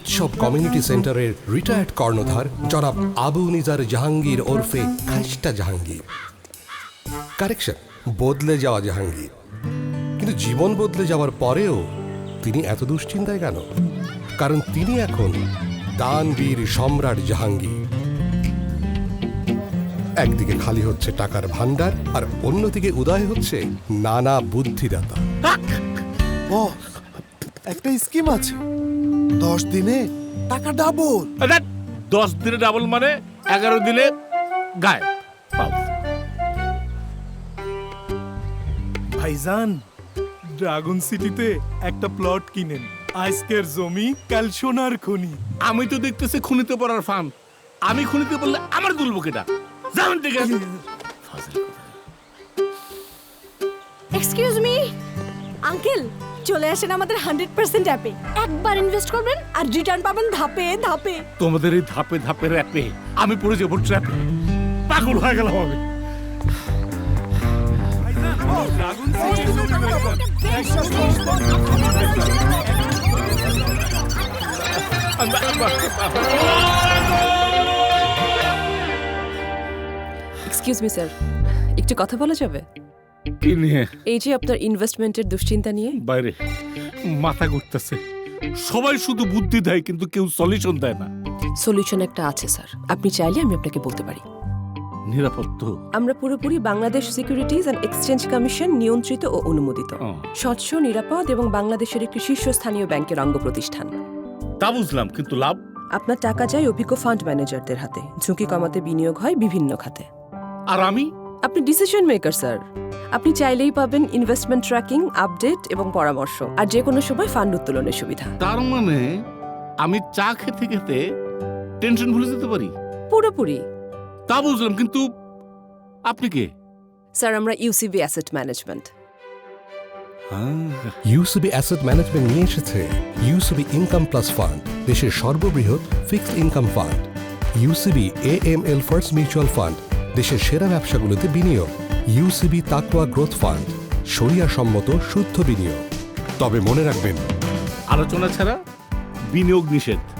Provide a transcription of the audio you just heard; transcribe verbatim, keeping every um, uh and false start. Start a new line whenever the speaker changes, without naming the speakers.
উৎসব কমিউনিটি সেন্টারের রিটায়ার্ড কর্ণধার জনাব আবু নিজার জাহাঙ্গীর ওরফে খাইস্টা জাহাঙ্গীর। কারেকশন, বদলে যাওয়া জাহাঙ্গীর। কিন্তু জীবন বদলে যাওয়ার পরেও তিনি এত দুশ্চিন্তায় কেন? কারণ তিনি এখন দানবীর সম্রাট জাহাঙ্গীর। একদিকে খালি হচ্ছে টাকার ভান্ডার, আর অন্যদিকে উদয় হচ্ছে নানা বুদ্ধিদাতা।
বস, একটা স্কিম আছে, দশ দিনে টাকা ডাবল।
আরে, দশ দিনে ডাবল মানে এগারো দিনে গায়ে পাও।
ভাইজান, ড্রাগন সিটিতে একটা প্লট কিনেন। আজকের জমি কাল সোনার খনি।
আমি তো দেখতেছি খুনিতে পড়ার ফান। আমি খুনিতে বললে আমার তুলবো কেটা? যাবেন ঠিক আছে।
এক্সকিউজ মি আঙ্কেল, চলে আসেন আমাদের হান্ড্রেড পার্সেন্ট অ্যাপে। একবার ইনভেস্ট করবেন আর রিটার্ন পাবেন ধাপে ধাপে।
তোমাদের এই ধাপে ধাপে র্যাপে আমি পড়ে যাবো ট্র্যাপে। পাগল হয়ে গেলাম আমি।
Dragon city
excuse me sir, একটু কথা বলা যাবে?
কি নিয়ে?
এই যে আপনার ইনভেস্টমেন্টের দুশ্চিন্তা নিয়ে।
বাইরে মাথা ঘুরতেছে। সবাই শুধু বুদ্ধি দেয় কিন্তু কেউ সলিউশন দেয় না।
সলিউশন একটা আছে স্যার, আপনি চাইলে আমি আপনাকে বলতে পারি।
নিরাপদ তো?
আমরা পুরোপুরি Bangladesh securities and exchange commission নিয়ন্ত্রিত ও অনুমোদিত,
ও।
স্বচ্ছ, নিরাপদ এবং বাংলাদেশের একটি শীর্ষস্থানীয় ব্যাংকের অঙ্গ প্রতিষ্ঠান।
তা বুঝলাম, কিন্তু লাভ?
আপনার টাকা যায় অভিজ্ঞ ফান্ড ম্যানেজারদের হাতে, ঝুঁকি কমাতে বিনিয়োগ হয় বিভিন্ন খাতে।
আর আমি?
আপনি ডিসিশন মেকার স্যার। আপনি চাইলেই পাবেন ইনভেস্টমেন্ট ট্র্যাকিং, আপডেট এবং পরামর্শ, আর যে কোনো সময় ফান্ড উত্তোলনের সুবিধা।
তার মানে আমি চা খেতে খেতে টেনশন ভুলে যেতে পারি?
পুরোপুরি।
তা বুঝলাম, কিন্তু আপনি কে?
স্যার, আমরা UCB asset management.
UCB asset management নিয়ে এসেছে ইউসিবি ইনকাম প্লাস ফান্ড, দেশের সর্ববৃহৎ fixed income fund. UCB A M L first mutual fund, দেশের সেরা ব্যবসাগুলোতে বিনিয়োগ। ইউসিবি তাকওয়া গ্রোথ ফান্ড, শরিয়া সম্মত শুদ্ধ বিনিয়োগ। তবে মনে রাখবেন,
আলোচনা ছাড়া বিনিয়োগ নিষেধ।